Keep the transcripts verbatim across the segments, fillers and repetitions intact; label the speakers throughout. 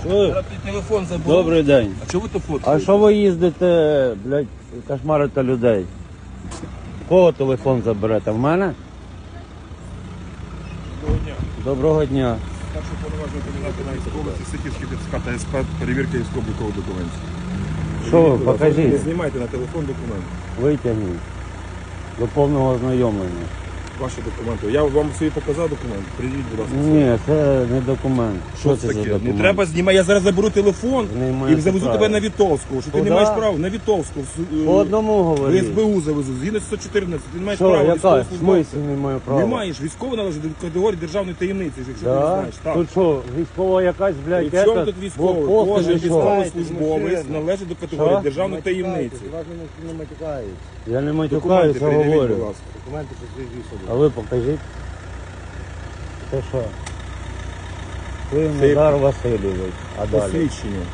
Speaker 1: Чуєш?
Speaker 2: Зараз ти телефон забув.
Speaker 1: Добрий день.
Speaker 2: А чого ви то
Speaker 1: А
Speaker 2: фоткаєте?
Speaker 1: що ви їздите, блядь, кошмарите людей? Кого телефон заберете? В мене?
Speaker 2: Доброго дня.
Speaker 1: Доброго дня.
Speaker 2: Старший повноважений кандидат на області Сихівський ТЦК та СП, перевірка військово-облікових документів.
Speaker 1: Що ви,
Speaker 2: Будь ласка, Не
Speaker 1: покажіть,
Speaker 2: знімайте на телефон документи.
Speaker 1: витягніть. До повного ознайомлення.
Speaker 2: Ваші документи. Я вам собі показав документи. Придіть, будь ласка.
Speaker 1: Ні, це не документ.
Speaker 2: Що це таке? Не треба знімати. Я зараз заберу телефон
Speaker 1: Знімайте
Speaker 2: і завезу
Speaker 1: право.
Speaker 2: тебе на Вітовську. Що ти
Speaker 1: Куда?
Speaker 2: не маєш права? На Вітовську. в-
Speaker 1: По одному
Speaker 2: В
Speaker 1: говоріть.
Speaker 2: СБУ завезу. Згідно сто чотирнадцять. Ти не маєш
Speaker 1: Що,
Speaker 2: права
Speaker 1: яка? В
Speaker 2: військовослужбовця.
Speaker 1: смислі не маю права?
Speaker 2: Не маєш. Військово належить до категорії державної таємниці, якщо ти не
Speaker 1: Да?
Speaker 2: знаєш. Так.
Speaker 1: Тут що, військова якась, блядь,
Speaker 2: При чому
Speaker 1: ета,
Speaker 2: тут військовий?
Speaker 1: блокпост
Speaker 2: Кожен
Speaker 1: чи що?
Speaker 2: військовослужбовець належить до категорії
Speaker 1: Що?
Speaker 2: державної таємниці.
Speaker 3: Не матюкають.
Speaker 1: Я не
Speaker 2: Документи
Speaker 1: матюкаюся,
Speaker 2: придивіть, будь
Speaker 1: говорю.
Speaker 2: ласка.
Speaker 3: Документи посвідчують
Speaker 1: А
Speaker 3: особу.
Speaker 1: ви покажіть. Це що? Ви
Speaker 2: Це-
Speaker 1: Назар Васильович. А далі?
Speaker 2: Посвідчення.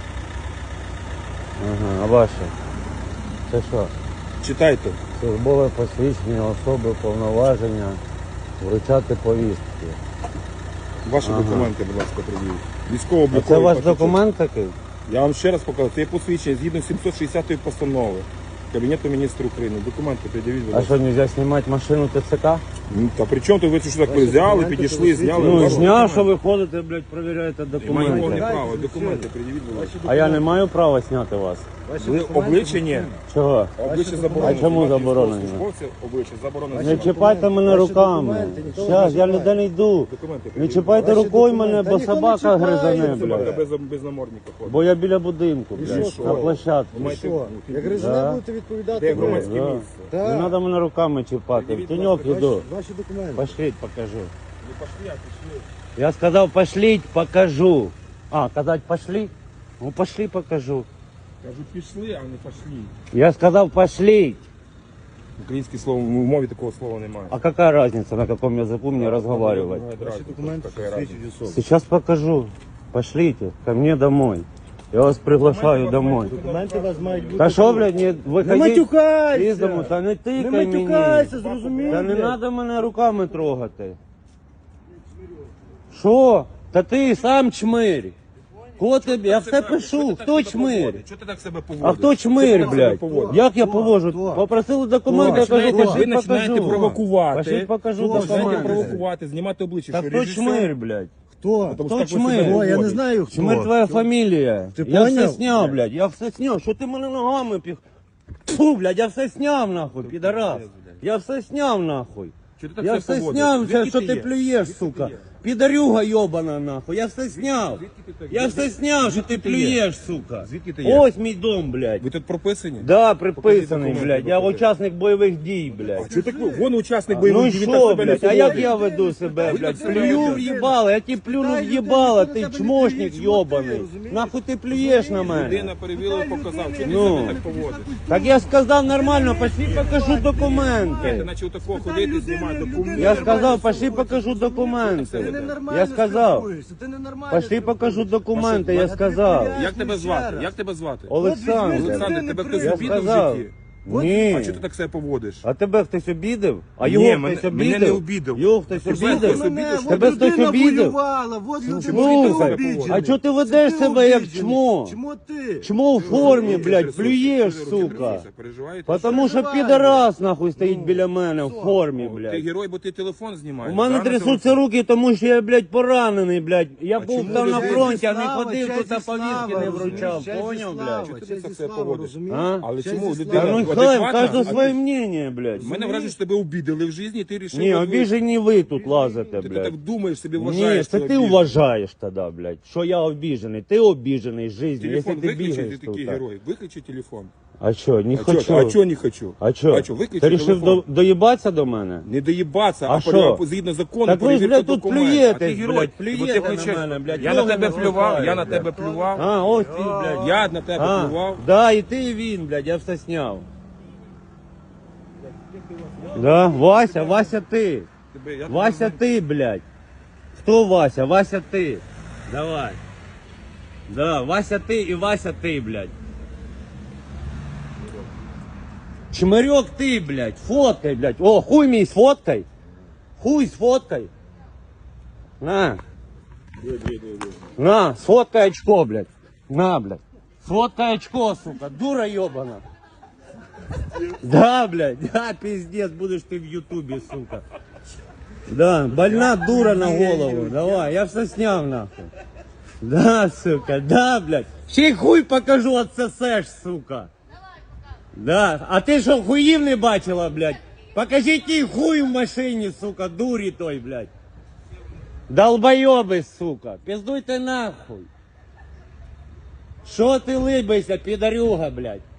Speaker 1: Ага, а ваше? Це що?
Speaker 2: Читайте.
Speaker 1: Службове посвідчення особи, повноваження, вручати повістки.
Speaker 2: Ваші
Speaker 1: Ага.
Speaker 2: документи, будь ласка, придивіть.
Speaker 1: А
Speaker 2: Військово-обліковий
Speaker 1: це ваш
Speaker 2: паспорт.
Speaker 1: документ такий?
Speaker 2: Я вам ще раз покажу. Це є посвідчення згідно сімсот шістдесятої постанови Кабінету міністрів України. Документи придивіть, будь
Speaker 1: А
Speaker 2: ласка.
Speaker 1: що, не можна знімати машину ТЦК?
Speaker 2: Ну, та при чому то ви це що так ви взяли,
Speaker 3: документи
Speaker 2: підійшли, зняли?
Speaker 1: Ну,
Speaker 2: Ваші
Speaker 1: зняв, що
Speaker 2: документи.
Speaker 1: ви ходите, блядь, перевіряєте
Speaker 2: Немає повне
Speaker 1: документи.
Speaker 2: права. Документи придивіть, будь ласка.
Speaker 1: А я не маю права зняти вас.
Speaker 3: Ваші
Speaker 2: Ви
Speaker 3: документи
Speaker 2: обличчя ні.
Speaker 1: Чого?
Speaker 2: Обличчя заборонено.
Speaker 1: А чому
Speaker 2: Знімати
Speaker 1: заборонено?
Speaker 2: військовослужбовців Обличчя заборонено.
Speaker 1: Не
Speaker 2: знімати.
Speaker 1: чіпайте мене
Speaker 3: Ваші
Speaker 1: руками.
Speaker 3: документи ніхто не
Speaker 1: Щас, я
Speaker 3: чіпає.
Speaker 1: ніде не йду.
Speaker 2: Документи
Speaker 1: Не
Speaker 2: придивіть.
Speaker 1: чіпайте
Speaker 3: Ваші
Speaker 1: рукою
Speaker 3: документи.
Speaker 1: мене,
Speaker 3: Та
Speaker 1: бо
Speaker 3: ніхто не
Speaker 1: собака
Speaker 3: чіпає.
Speaker 1: гризане,
Speaker 2: Собака
Speaker 1: блядь.
Speaker 2: без, без намордника ходить.
Speaker 1: Бо я біля будинку,
Speaker 3: І
Speaker 1: блядь,
Speaker 3: що,
Speaker 1: на
Speaker 3: що?
Speaker 1: площадці.
Speaker 2: Ви маєте-
Speaker 3: Що? Як
Speaker 1: Да.
Speaker 3: гризуна будете відповідати?
Speaker 2: Де
Speaker 3: ви?
Speaker 2: громадське
Speaker 1: Да.
Speaker 2: місце?
Speaker 1: Не
Speaker 3: Так.
Speaker 1: треба мене руками чіпати. В
Speaker 2: Придивіть,
Speaker 1: тіньок
Speaker 2: будь ласка,
Speaker 1: іду.
Speaker 3: Ваші, ваші документи.
Speaker 1: Пошліть, покажу.
Speaker 2: Не пошли, а пішли.
Speaker 1: Я сказав, пошліть, покажу. А, казать, пошли? Ну, пошли, покажу.
Speaker 2: Кажу, пішли, а не пошли.
Speaker 1: Я сказав, пошліть.
Speaker 2: Українське слово, в мові такого слова немає.
Speaker 1: А какая разница, на каком языку мне разговаривать?
Speaker 3: Ваші документи посвідчують особу.
Speaker 1: Сейчас покажу. Пошлите ко мне домой. Я вас приглашаю домой.
Speaker 3: Документи у вас мають бути.
Speaker 1: Та що, блядь, не
Speaker 3: Не
Speaker 1: виходіть
Speaker 3: матюкайся!
Speaker 1: із дому, та не
Speaker 3: Не
Speaker 1: тикай мені.
Speaker 3: матюкайся, зрозумів?
Speaker 1: Та не
Speaker 3: блядь?
Speaker 1: треба мене руками трогати. Що? Та ти сам чмирь. Кого ти, я все пишу, хто чмирь?
Speaker 2: Чого ти так себе поводиш?
Speaker 1: А хто
Speaker 2: Чого
Speaker 1: чмирь,
Speaker 2: ти так себе
Speaker 1: блядь?
Speaker 2: поводиш?
Speaker 1: Як я
Speaker 3: Хто?
Speaker 1: повожу?
Speaker 3: Хто?
Speaker 1: Попросили документи, я кажу,
Speaker 2: Починаєте-
Speaker 1: пошли
Speaker 2: ви починаєте
Speaker 1: покажу.
Speaker 2: провокувати.
Speaker 1: Пошли покажу
Speaker 3: Хто?
Speaker 2: Починаєте
Speaker 1: документи.
Speaker 2: провокувати, знімати обличчя.
Speaker 1: Та
Speaker 2: що
Speaker 1: хто
Speaker 2: режисер-
Speaker 1: чмирь, блядь?
Speaker 3: Хто?
Speaker 2: Тому
Speaker 1: Хто
Speaker 2: що так ви
Speaker 1: чмирь?
Speaker 2: себе
Speaker 3: О, я не
Speaker 2: поводите.
Speaker 3: знаю хто.
Speaker 1: Чмирь твоя фамілія.
Speaker 3: Ти
Speaker 1: Я все
Speaker 3: поняв?
Speaker 1: сняв, блядь, я все сняв. Що ти мене ногами піх? Фу, блядь, я все сняв, нахуй, підарас. Я все сняв, нахуй.
Speaker 2: Чого ти так
Speaker 1: Я
Speaker 2: себе
Speaker 1: все
Speaker 2: поводиш?
Speaker 1: сняв,
Speaker 2: Звідки
Speaker 1: все, що ти
Speaker 2: є?
Speaker 1: плюєш,
Speaker 2: Звідки
Speaker 1: сука.
Speaker 2: ти є?
Speaker 1: Підарюга йобана, нахуй. Я все сняв.
Speaker 2: Звідки ти так?
Speaker 1: Я все сняв, що ти
Speaker 2: Звідки ти є?
Speaker 1: плюєш, сука.
Speaker 2: Звідки ти є?
Speaker 1: Ось мій дом, блядь.
Speaker 2: Ви тут прописані?
Speaker 1: Да,
Speaker 2: Покажіть
Speaker 1: приписаний,
Speaker 2: документи,
Speaker 1: блядь. Я
Speaker 2: покажіть.
Speaker 1: учасник бойових дій,
Speaker 2: А
Speaker 1: блядь.
Speaker 2: чого так ви? Вон учасник бойових
Speaker 1: Ну
Speaker 2: дій,
Speaker 1: і
Speaker 2: він так
Speaker 1: що,
Speaker 2: себе не
Speaker 1: блядь, а як
Speaker 2: поводить.
Speaker 1: я веду себе,
Speaker 2: Ви
Speaker 1: блядь?
Speaker 2: так себе
Speaker 1: Плюю в
Speaker 2: ведете.
Speaker 1: їбало, я ті плюну в їбало, ти чмошник йобаний.
Speaker 3: розумієш?
Speaker 1: Нахуй ти плюєш на мене?
Speaker 2: Людина перевірила і показав. Чого ти
Speaker 1: Ну.
Speaker 2: себе так поводиш?
Speaker 1: Так я сказав нормально, пошли покажу
Speaker 2: Ти
Speaker 1: документи.
Speaker 2: наче отако ходити, знімати документи.
Speaker 1: Я сказав, пошли покажу документи. Я сказав, пошли покажу документи, я сказав.
Speaker 2: Як тебе звати? Як тебе звати?
Speaker 1: Олександр,
Speaker 2: Олександр, тебе хтось
Speaker 1: я
Speaker 2: обідав в
Speaker 1: сказав.
Speaker 2: житті?
Speaker 1: Ні.
Speaker 2: А чого ти так себе поводиш?
Speaker 1: А тебе хтось обідав? А
Speaker 2: Ні,
Speaker 1: його
Speaker 2: мене-
Speaker 1: хтось
Speaker 2: мене
Speaker 1: обідав?
Speaker 2: не обідав.
Speaker 1: Його хтось
Speaker 2: Тебе
Speaker 1: обідав?
Speaker 2: хтось обідав?
Speaker 1: Тебе хтось обідав?
Speaker 3: Вот людина
Speaker 1: Слухай,
Speaker 3: обіджена.
Speaker 1: а чого ти ведеш себе як
Speaker 3: обіджений.
Speaker 1: чмо?
Speaker 3: Чому ти?
Speaker 1: Чмо в формі, блядь,
Speaker 2: Трясуться,
Speaker 1: плюєш,
Speaker 2: руки
Speaker 1: сука.
Speaker 2: трясуться, переживаєте?
Speaker 1: Потому що
Speaker 3: Переживаю.
Speaker 1: підарас, нахуй, стоїть біля мене в формі,
Speaker 2: Ти
Speaker 1: блядь.
Speaker 2: герой, бо ти телефон знімаєш.
Speaker 1: У мене
Speaker 2: да, на
Speaker 1: трясуться
Speaker 2: телефон?
Speaker 1: руки, тому що я, блядь, поранений, блядь. Я був
Speaker 2: чому
Speaker 1: там на
Speaker 2: людей
Speaker 1: фронті, а не
Speaker 3: Слава,
Speaker 1: ходив
Speaker 3: честь
Speaker 1: тут, а
Speaker 3: і слава,
Speaker 1: повістки не
Speaker 3: розумієш?
Speaker 1: вручав.
Speaker 3: Честь і
Speaker 1: Поняв,
Speaker 3: слава,
Speaker 1: блядь?
Speaker 2: Чого ти
Speaker 3: честь
Speaker 2: так
Speaker 3: і
Speaker 2: себе
Speaker 3: слава,
Speaker 2: поводиш?
Speaker 3: розумієш?
Speaker 1: А?
Speaker 2: Але
Speaker 3: Честь
Speaker 2: чому
Speaker 3: і
Speaker 2: людина-
Speaker 1: Та
Speaker 3: слава.
Speaker 1: ну
Speaker 2: адекватна,
Speaker 1: хай,
Speaker 2: а
Speaker 1: кожен
Speaker 2: ти-
Speaker 1: своє мнення, блядь.
Speaker 2: У мене враження, що тебе обідали в житті, і ти рішив.
Speaker 1: Ні, обіжені ви тут лазите,
Speaker 2: Ти
Speaker 1: блядь.
Speaker 2: так думаєш, собі
Speaker 1: Ні,
Speaker 2: вважаєш.
Speaker 1: це
Speaker 2: що
Speaker 1: ти
Speaker 2: обіжений.
Speaker 1: вважаєш тоді, блядь, що я обіжений. Ти обіжений життю, якщо
Speaker 2: Телефон
Speaker 1: ти
Speaker 2: виключи, ти
Speaker 1: бігаєш
Speaker 2: такий
Speaker 1: тут.
Speaker 2: герой. Виключи телефон.
Speaker 1: А що, не
Speaker 2: А
Speaker 1: хочу.
Speaker 2: чо, а чо не хочу?
Speaker 1: А що?
Speaker 2: А чо, виключи
Speaker 1: Ти рішив
Speaker 2: телефон.
Speaker 1: до, доїбатися до мене?
Speaker 2: Не доїбатися,
Speaker 1: А
Speaker 2: а,
Speaker 1: що?
Speaker 2: пере- згідно закону,
Speaker 1: Так ви ж,
Speaker 2: перевірка
Speaker 1: блядь, тут
Speaker 2: документів.
Speaker 1: плюєтесь,
Speaker 2: А ти герой,
Speaker 1: блядь,
Speaker 2: бо ти
Speaker 1: плюєте
Speaker 2: хочеш-
Speaker 1: на мене, блядь.
Speaker 2: Я на
Speaker 1: ноги
Speaker 2: тебе плював, я на
Speaker 1: розмахаю,
Speaker 2: тебе
Speaker 1: блядь.
Speaker 2: плював.
Speaker 1: А, ось ти, блядь.
Speaker 2: Я на тебе
Speaker 1: А,
Speaker 2: плював.
Speaker 1: да, і ти, і він, блядь, я все сняв. Да, Вася, Вася ти.
Speaker 2: Тебе- я
Speaker 1: Вася ти, блядь. Хто Вася? Вася ти. Давай. Да, Вася ти і Вася ти, блядь. Чмирьок ти, блядь. Фоткай, блядь. О, хуй мій сфоткай. Хуй сфоткай. На. На, сфоткай очко, блядь. На, блядь. Сфоткай очко, сука. Дура ебана. Да, блядь, да, пиздец, будешь ты в ютубе, сука. Да, больна дура на голову. Давай, я все снял, нахуй. Да, сука, да, блядь. Чей хуй покажу, отсосешь, сука. Да, а ти що, хуїв не бачила, блядь? Покажи ті хуй в машині, сука, дурі той, блядь. Долбойоби, сука, пиздуйте нахуй. Що ти либишся, підарюга, блядь?